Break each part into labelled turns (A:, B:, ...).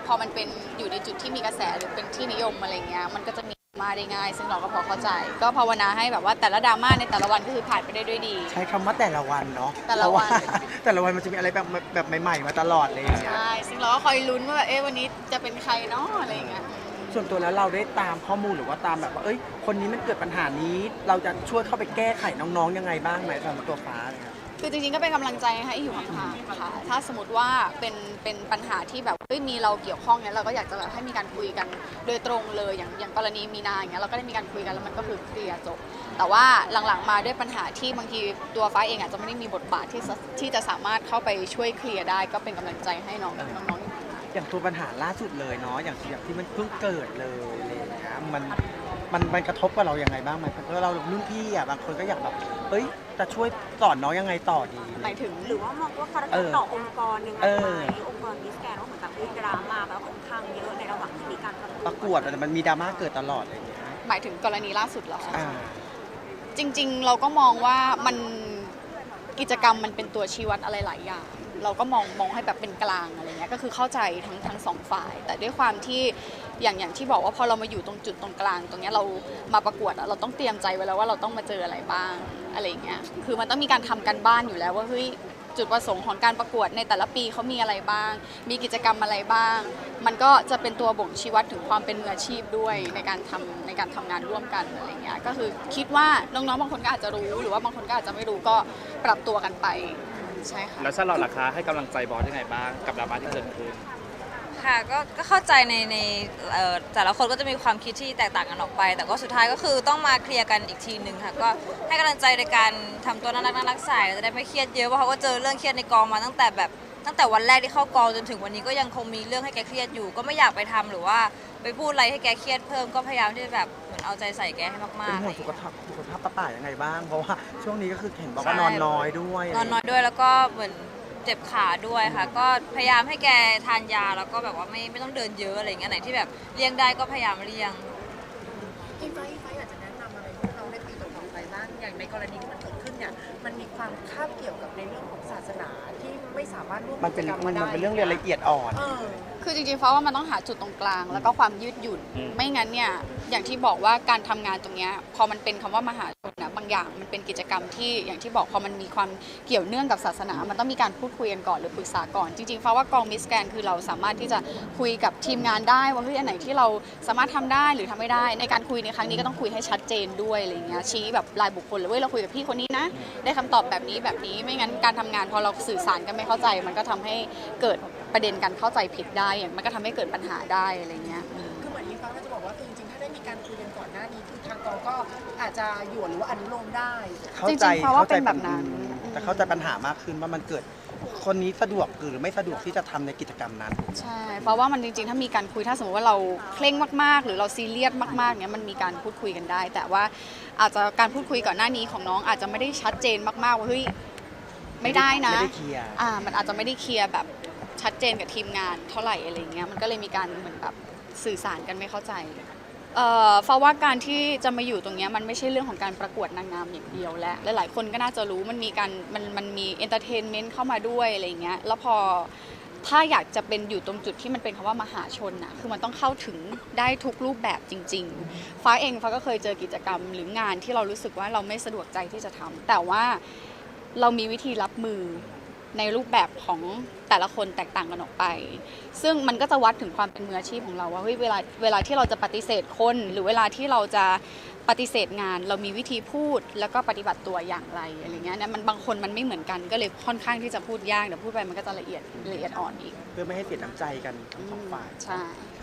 A: พอมันเป็นอยู่ในจุดที่มีกระแสหรือเป็นที่นิยมอะไรเงี้ยมันก็จะมีมาได้ง่ายซึ่งเราก็พอเข้าใจก็ภาวนาให้แบบว่าแต่ละดราม่าในแต่ละวันก็คือผ่านไปได้ด้วยดี
B: ใช้คำว่าแต่ละวันเนาะ
A: แต่ละวัน
B: แต่ละวันมันจะมีอะไรแบบใหม่ๆมาตลอดเลย
A: ใช่ซึ่งเราก็คอยลุ้นว่าแบบวันนี้จะเป็นใครเนาะอะไรเงี้ย
B: ส่วนตัวแล้วเราได้ตามข้อมูลหรือว่าตามแบบว่าคนนี้มันเกิดปัญหานี้เราจะช่วยเข้าไปแก้ไขน้องๆยังไงบ้างไหมสำหรับตัวฟ้าเลยครับ
A: คือจริงๆก็เป็นกำลังใจให้อยู่ห่างๆค่ะถ้าสมมติว่าเป็นปัญหาที่แบบมีเราเกี่ยวข้องเนี่ยเราก็อยากจะแบบให้มีการคุยกันโดยตรงเลยอย่างกรณีมีนาอย่างเงี้ยเราก็ได้มีการคุยกันแล้วมันก็คือเคลียร์จบแต่ว่าหลังๆมาด้วยปัญหาที่บางทีตัวฟ้าเองอาจจะไม่ได้มีบทบาทที่จะสามารถเข้าไปช่วยเคลียร์ได้ก็เป็นกำลังใจให้น้องๆ
B: อย่างตัวปัญหาล่าสุดเลยเนาะอย่างที่มันเพิ่งเกิดเลยอะไรอย่างเงี้ยมันกระทบกับเรายังไงบ้างไหมเพราะเรารุ่นพี่บางคนก็อยากแบบจะช่วยสอนน้องยังไงต่อดี
A: หมายถึง
C: หรือว่ามองว่าเขาจะต่อองค์กรยังไงไหมองค์กรมิสแกรนว่าเหมือนกับมีดราม่าแบบค่อนข้างเยอะในระหว่างที่มีการ
B: ประกวดแต่มันมีดราม่าเกิดตลอดอะไรอย่างเงี้ย
A: หมายถึงกรณีล่าสุดเหรอจริงๆเราก็มองว่ามันกิจกรรมมันเป็นตัวชี้วัดอะไรหลายอย่างเราก็มองให้แบบเป็นกลางอะไรเงี้ยก็คือเข้าใจทั้งสองฝ่ายแต่ด้วยความที่อย่างที่บอกว่าพอเรามาอยู่ตรงจุดตรงกลางตรงนี้เรามาประกวดเราต้องเตรียมใจไว้แล้วว่าเราต้องมาเจออะไรบ้างอะไรเงี้ยคือมันต้องมีการทำกันบ้านอยู่แล้วว่าเฮ้ยจุดประสงค์ของการประกวดในแต่ละปีเขามีอะไรบ้างมีกิจกรรมอะไรบ้างมันก็จะเป็นตัวบ่งชี้วัดถึงความเป็นมืออาชีพด้วยในการทำงานร่วมกันอะไรเงี้ยก็คือคิดว่าน้องๆบางคนก็อาจจะรู้หรือว่าบางคนก็อาจจะไม่รู้ก็ปรับตัวกันไปใช่ค่ะ
D: แล้วชาลอตล่ะคะให้กำลังใจบอสยังไงบ้างกับดราม่าที่เกิดขึ้น
E: ค่ะก็เข้าใจในแต่ละคนก็จะมีความคิดที่แตกต่างกันออกไปแต่ก็สุดท้ายก็คือต้องมาเคลียร์กันอีกทีหนึ่งค่ะก็ให้กำลังใจในการทำตัวน่ารักใส่จะได้ไม่เครียดเยอะเพราะเขาก็เจอเรื่องเครียดในกองมาตั้งแต่วันแรกที่เข้ากองจนถึงวันนี้ก็ยังคงมีเรื่องให้แกเครียดอยู่ก็ไม่อยากไปทำหรือว่าไปพูดอะไรให้แกเครียดเพิ่มก็พยายามที่จะแบบเหมือนเอาใจใส่แกให้มากๆ
B: เป็นห่วงสุขภาพป้ายังไงบ้างเพราะว่าช่วงนี้ก็คือเห็นบอกว่านอนน้อยด้วย
E: แล้วก็เหมือนเจ็บขาด้วยค่ะก็พยายามให้แกทานยาแล้วก็แบบว่าไม่ต้องเดินเยอะอะไรเงี้ยไหนที่แบบเลี่ยงได้ก็พยายามเลี่ยง
C: อีไฟอยากจะแนะนำอะไรให้เราได้ปีต่อไปบ้างอย่างในกรณีที่มันเกิดขึ้นเนี่ยมันมีความคาบเกี่ยวกับในเรื่องของศาสนาที่ไม่สามารถร่วมกิจกรรมมาได้
B: มันเป็นเรื่องละเอียดอ่อน
A: คือจริงๆเพราะว่ามันต้องหาจุดตรงกลางแล้วก็ความยืดหยุ่นไม่งั้นเนี่ยอย่างที่บอกว่าการทำงานตรงนี้พอมันเป็นคำว่ามหาชนนะบางอย่างมันเป็นกิจกรรมที่อย่างที่บอกพอมันมีความเกี่ยวเนื่องกับศาสนามันต้องมีการพูดคุยกันก่อนหรือปรึกษาก่อนจริงๆเพราะว่ากองมิสแกรนคือเราสามารถที่จะคุยกับทีมงานได้ว่าเฮ้ยอันไหนที่เราสามารถทำได้หรือทำไม่ได้ในการคุยในครั้งนี้ก็ต้องคุยให้ชัดเจนด้วยอะไรเงี้ยชี้แบบรายบุคคลเลยเว้ยเราคุยกับพี่คนนี้นะได้คำตอบแบบนี้ไม่งั้นการทำงานพอเราสื่อสารกันไม่เข้าใจมันก็ทำให้เกิดประเด็นการเข้าใจผิดได้มันก็ทำให้เกิดปัญหาได้อะไรเงี้ย
C: คือเหมือนนี้ฟ้าก็จะบอกว่าจริงๆถ้าได้มีการคุยกันก่อนหน้านี้คือทางกองก็อาจจะหยวนหรือว่าอนุโลมได้
A: จริงๆเพราะว่าเป็นแบบนั้น
B: แต่เข้าใจปัญหามากขึ้นว่ามันเกิดคนนี้สะดวกหรือไม่สะดวกที่จะทำในกิจกรรมนั้น
A: ใช่เพราะว่ามันจริงๆถ้ามีการคุยถ้าสมมติว่าเราเคร่งมากๆหรือเราซีเรียสมากๆเนี้ยมันมีการพูดคุยกันได้แต่ว่าอาจจะการพูดคุยก่อนหน้านี้ของน้องอาจจะไม่ได้ชัดเจนมากๆว่าเฮ้ยไม่ได้นะมันอาจจะไม่ได้เคลียร์แบบชัดเจนกับทีมงานเท่าไหร่อะไรเงี้ยมันก็เลยมีการเหมือนแบบสื่อสารกันไม่เข้าใจเพราะว่าการที่จะมาอยู่ตรงนี้มันไม่ใช่เรื่องของการประกวดนางงามอย่างเดียวและหลายๆคนก็น่าจะรู้มันมีการมันมีเอนเตอร์เทนเมนต์เข้ามาด้วยอะไรเงี้ยแล้วพอถ้าอยากจะเป็นอยู่ตรงจุดที่มันเป็นคำว่ามหาชนนะคือมันต้องเข้าถึงได้ทุกรูปแบบจริงๆฟ้าก็เคยเจอกิจกรรมหรืองานที่เรารู้สึกว่าเราไม่สะดวกใจที่จะทำแต่ว่าเรามีวิธีรับมือในรูปแบบของแต่ละคนแตกต่างกันออกไปซึ่งมันก็จะวัดถึงความเป็นมืออาชีพของเราว่าเฮ้ยเวลาที่เราจะปฏิเสธคนหรือเวลาที่เราจะปฏิเสธงานเรามีวิธีพูดแล้วก็ปฏิบัติตัวอย่างไรอะไรเงี้ยนะมันบางคนมันไม่เหมือนกันก็เลยค่อนข้างที่จะพูดยากแต่พูดไปมันก็จะละเอียดอ่อนอีก
B: เพื่อไม่ให้เสียน้ำใจกันทั้งสองฝ่าย
A: ใช่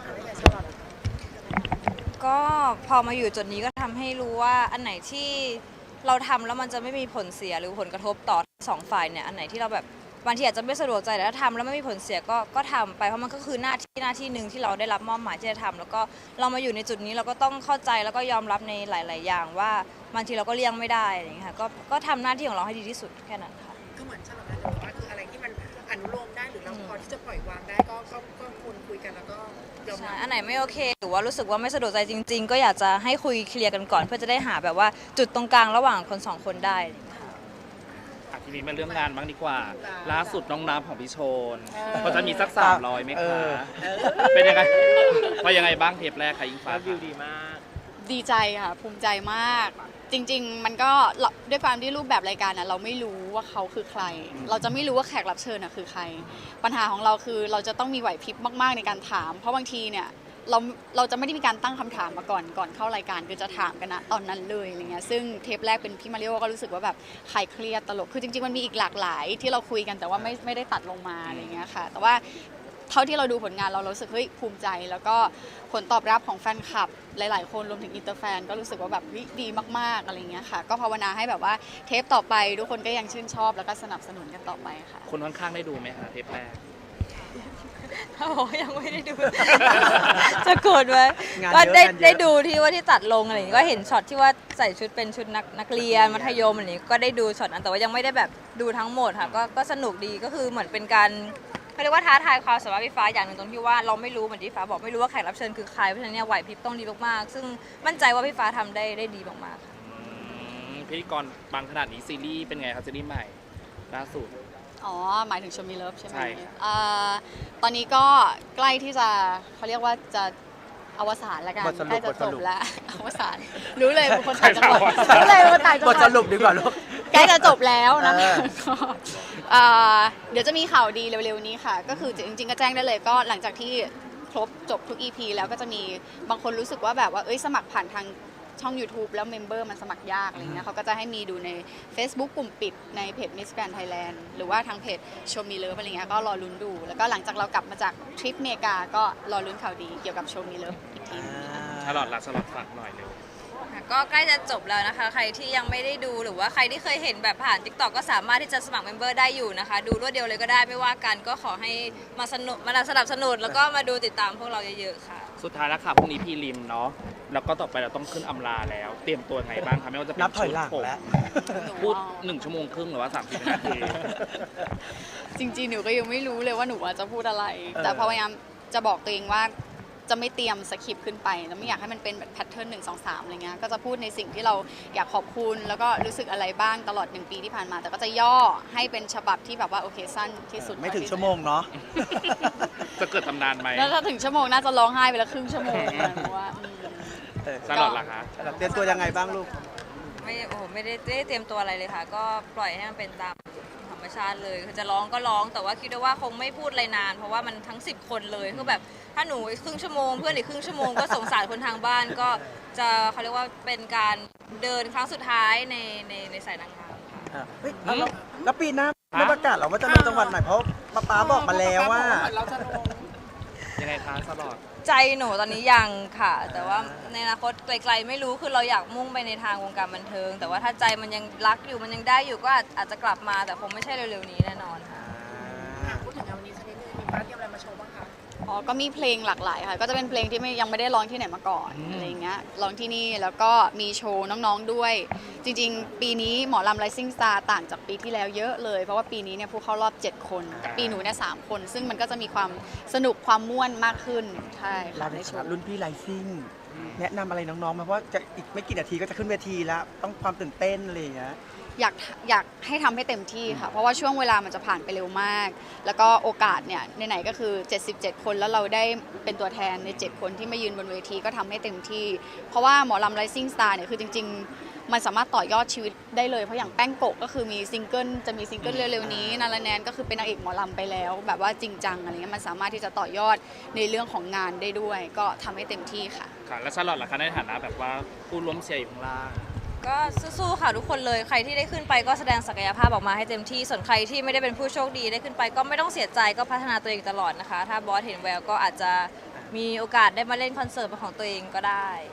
E: ก็พอมาอยู่จุดนี้ก็ทำให้รู้ว่าอันไหนที่เราทำแล้วมันจะไม่มีผลเสียหรือผลกระทบต่อสองฝ่ายเนี่ยอันไหนที่เราแบบบางทีอาจจะไม่สะดวกใจแต่ถ้าทำแล้วไม่มีผลเสียก็ทำไปเพราะมันก็คือหน้าที่หนึ่งที่เราได้รับมอบหมายที่จะทำแล้วก็เรามาอยู่ในจุดนี้เราก็ต้องเข้าใจแล้วก็ยอมรับในหลายๆอย่างว่าบางทีเราก็เลี่ยงไม่ได้อะไรอย่างเงี้ยค่ะก็ทำหน้าที่ของเราให้ดีที่สุดแค่นั้นค่ะ
C: คือเหมือนฉลองนะแต่ว่าคืออะไรที่มันอนุโลมได้หรือเราพอที่จะปล่อยวางได้ก็ควรคุยกันแล้วก็ยอมรับ
E: อันไหนไม่โอเคหรือว่ารู้สึกว่าไม่สะดวกใจจริงๆก็อยากจะให้คุยเคลียร์กันก่อนเพื่อจะได้หาแบบว่าจุดตรงกลางระหว่างคนสองคนได้
D: ถทีนี้มาเรื่องงานบ้างดีกว่า ล่าสุดน้องน้ำของพี่โชนเขาจะมีสัก300ไหมคะเป็นยังไงว่ายังไงบ้างเทปแรกค่ะอิงฟ้าวิวดีมาก
A: ดีใจค่ะภูมิใจมาก จริง ๆ มันก็ด้วยความที่รูปแบบรายการนะเราไม่รู้ว่าเขาคือใคร เราจะไม่รู้ว่าแขกรับเชิญน่ะคือใคร ปัญหาของเราคือเราจะต้องมีไหวพริบมากๆในการถาม เพราะบางทีเนี่ยเราจะไม่ได้มีการตั้งคำถามมาก่อนเข้ารายการคือจะถามกันนะตอนนั้นเลยอะไรเงี้ยซึ่งเทปแรกเป็นพี่มาริโอก็รู้สึกว่าแบบใครเครียดตลกคือจริงๆมันมีอีกหลากหลายที่เราคุยกันแต่ว่าไม่ได้ตัดลงมาอะไรเงี้ยค่ะแต่ว่าเท่าที่เราดูผลงานเรารู้สึกเฮ้ยภูมิใจแล้วก็ผลตอบรับของแฟนคลับหลายๆคนรวมถึงอินเตอร์แฟนก็รู้สึกว่าแบบดีมากๆอะไรเงี้ยค่ะก็ภาวนาให้แบบว่าเทปต่อไปทุกคนก็ยังชื่นชอบแล้วก็สนับสนุนกันต่อไปค่ะ
D: คนข้างๆได้ดูไหมคะเทปแรก
E: ถ้าบอกว่ายังไม่ได้ดู จะโกรธไหม
B: งาน
E: ก็
B: เยอะ
E: ได้
B: งานเยอะ
E: ได้ดูที่ว่าที่ตัดลงอะไรอย่างงี้ก็เห็นช็อตที่ว่าใส่ชุดเป็นชุดนักเรียนมัธยมอะไรอย่างงี้ก็ได้ดูช็อตนั้นแต่ว่ายังไม่ได้แบบดูทั้งหมดค่ะก็สนุกดีก็คือเหมือนเป็นการเขาเรียกว่าท้าทายความสามารถพี่ฟ้าอย่างหนึ่งตรงที่ว่าเราไม่รู้เหมือนที่ฟ้าบอกไม่รู้ว่าแขกรับเชิญคือใครเพราะฉะนั้นเนี่ยไหวพริบต้องดีมากๆซึ่งมั่นใจว่าพี่ฟ้าทำได้ดีมากๆค่ะ
D: พิธีกรบางขนาดนี้ซีรีส์เป็นไงครับซีรีส์ใหม่ล่าสุด
A: อ๋อหมายถึงชมมีเลิฟใช่ไหม
D: ใช่
A: ตอนนี้ก็ใกล้ที่จะเขาเรียกว่าจะอวสานแล้วกัน
B: บทสรุป
A: ใกล้จะ
B: บท
A: จ
B: ส
A: บ
B: รุป
A: แล้ว อวสานรู้เลยเป็นคนต่างจังหวัดรู้เลยเป็นคนต่างจังห
B: บ
A: วั
B: ท
A: ด
B: สรุปดีกว่าลูก
A: ใกล้จะจบแล้วนะ
B: เออ
A: ก็เดี๋ยวจะมีข่าวดีเร็วๆนี้ค่ะ ก็คือจริงๆก็แจ้งได้เลยก็หลังจากที่ครบจบทุก EP แล้วก็จะมีบางคนรู้สึกว่าแบบว่าสมัครผ่านทางช่อง YouTube แล้วเมมเบอร์มันสมัครยากอะไรเงี้ยเขาก็จะให้มีดูใน Facebook กลุ่มปิดในเพจ Miss Grand Thailand หรือว่าทางเพจ Show Me Love อะไรเงี้ยก็รอลุ้นดู แล้วก็หลังจากเรากลับมาจากทริปเมกาก็รอลุ้นข่าวดีเกี่ยวกับ Show Me Love อีกทีนึง
D: ชาลอตละชาลอตฝากหน่อยเร็ว
E: ก็ใกล้จะจบแล้วนะคะ ใครที่ยังไม่ได้ดูหรือว่าใครที่เคยเห็นแบบผ่าน TikTok ก็สามารถที่จะสมัครเมมเบอร์ได้อยู่นะคะ ดูรวดเดียวเลยก็ได้ไม่ว่ากันก็ขอให้มาสนับสนุนแล้วก็มาดูติดตามพวกเราเยอะๆค่ะ
D: สุดท้ายแล้วค่ะพรุ่งนี้พีริมเนาะแล้วก็ต่อไปเราต้องขึ้นอำลาแล้ว เตรียมตัวไงบ้างคะไม่ว่าจะเป็น
B: นับถอยหลัง
D: ชุดผม
B: แล้ว
D: พูด1 ชั่วโมงครึ่งหรือว่า30 นาที
A: จริงๆ หนูก็ยังไม่รู้เลยว่าหนูจะพูดอะไร
B: เออ
A: แต่พยายามจะบอกตัวเองว่าจะไม่เตรียมสคริปต์ขึ้นไปแล้วไม่อยากให้มันเป็นแบบแพทเทิร์น1 2 3อะไรเงี้ยก็จะพูดในสิ่งที่เราอยากขอบคุณแล้วก็รู้สึกอะไรบ้างตลอด1 ปีที่ผ่านมา แต่ก็จะย่อให้เป็นฉบับที่แบบว่าโอเคสั้นที่สุด
B: ไม่ถึงชั่วโมงเนาะ
D: จะเกิดตำนานไหม
A: แล้วถ้าถึงชั่วโมงน่าจะร้องไห้ไปแล้วครึ่งชั่วโมงนะเพราะว่า
D: ชาลอตล่ะคะ
B: เตรียมตัวยังไงบ้างลูก
E: ไม่ได้เตรียมตัวอะไรเลยค่ะ ก็ปล่อยให้มันเป็นตามธรรมชาติเลยคือจะร้องก็ร้องแต่ว่าคิดว่าคงไม่พูดอะไรนาน เพราะว่ามันทั้ง10 คนเลยคือแบบถ้าหนูอีกครึ่งชั่วโมงเพื่อนอีกครึ่งชั่วโมงก็สงสารคนทางบ้านก็จะเขาเรียกว่าเป็นการเดินครั้งสุดท้ายในสายนางงามค่ะ
B: เฮ้ยแล้วปีหน้าไม่ประกาศหรอว่าจะลงจังหวัดไหนเพราะป๊าบอกมาแล้วว่า
D: ยังไงคะชาลอต
E: ใจหนูตอนนี้ยังค่ะ แต่ว่าในอนาคตไกลๆไม่รู้คือเราอยากมุ่งไปในทางวงการบันเทิง แต่ว่าถ้าใจมันยังรักอยู่มันยังได้อยู่ก็อาจจะกลับมาแต่คงไม่ใช่เร็วๆนี้แน่นอนค่ะ
C: พูดถึงงานวันนี้สักนิดนึงมีฟ้าเตรียมอะไรมาโชว์บ้างคะ
A: อ๋อก็มีเพลงหลากหลายค่ะ ก็จะเป็นเพลงที่ยังไม่ได้ร้องที่ไหนมาก่อนอะไรเงี้ย ร้องที่นี่แล้วก็มีโชว์น้องๆด้วย จริงๆ ปีนี้หมอลำ Rising Star ต่างจากปีที่แล้วเยอะเลย เพราะว่าปีนี้เนี่ยผู้เข้ารอบ 7 คนแต่ปีหนูเนี่ย3 คน ซึ่งมันก็จะมีความสนุกความม่วนมากขึ้น ใช่
B: เรา
A: ค่ะ
B: ใน
A: ในโช
B: ฐานะ
A: ว์
B: รุ่นพี่ไลซิ่งแนะนำอะไรน้องๆมาเพราะว่าจะอีกไม่กี่นาทีก็จะขึ้นเวทีแล้ว ต้องความตื่นเต้นอะไรอย่างเงี้ย
A: อยากให้ทำให้เต็มที่ค่ะ เพราะว่าช่วงเวลามันจะผ่านไปเร็วมาก แล้วก็โอกาสเนี่ยไหนๆก็คือ 77 คนแล้วเราได้เป็นตัวแทนใน 7 คนที่มายืนบนเวทีก็ทำให้เต็มที่ เพราะว่าหมอลำ Rising Star เนี่ยคือจริงๆ มันสามารถต่อยอดชีวิตได้เลย เพราะอย่างแป้งโกะก็คือมีซิงเกิลจะมีซิงเกิลเร็วๆนี้นาราแนนก็คือเป็นนางเอกหมอลำไปแล้ว แบบว่าจริงจังอะไรเงี้ยมันสามารถที่จะต่อยอดในเรื่องของงานได้ด้วย ก็ทำให้เต็มที่ค่ะ
D: ค่ะ แล้วชาลอตล่ะคะในฐานะแบบว่าผู้ร่วมเชียร์อยู่ข้างล่าง
E: ก็สู้ๆค่ะทุกคนเลยใครที่ได้ขึ้นไปก็แสดงศักยภาพออกมาให้เต็มที่ส่วนใครที่ไม่ได้เป็นผู้โชคดีได้ขึ้นไปก็ไม่ต้องเสียใจก็พัฒนาตัวเองตลอดนะคะ ถ้าบอสเห็นแววก็อาจจะมีโอกาสได้มาเล่นคอนเสิร์ตเป็นของตัวเองก็ได้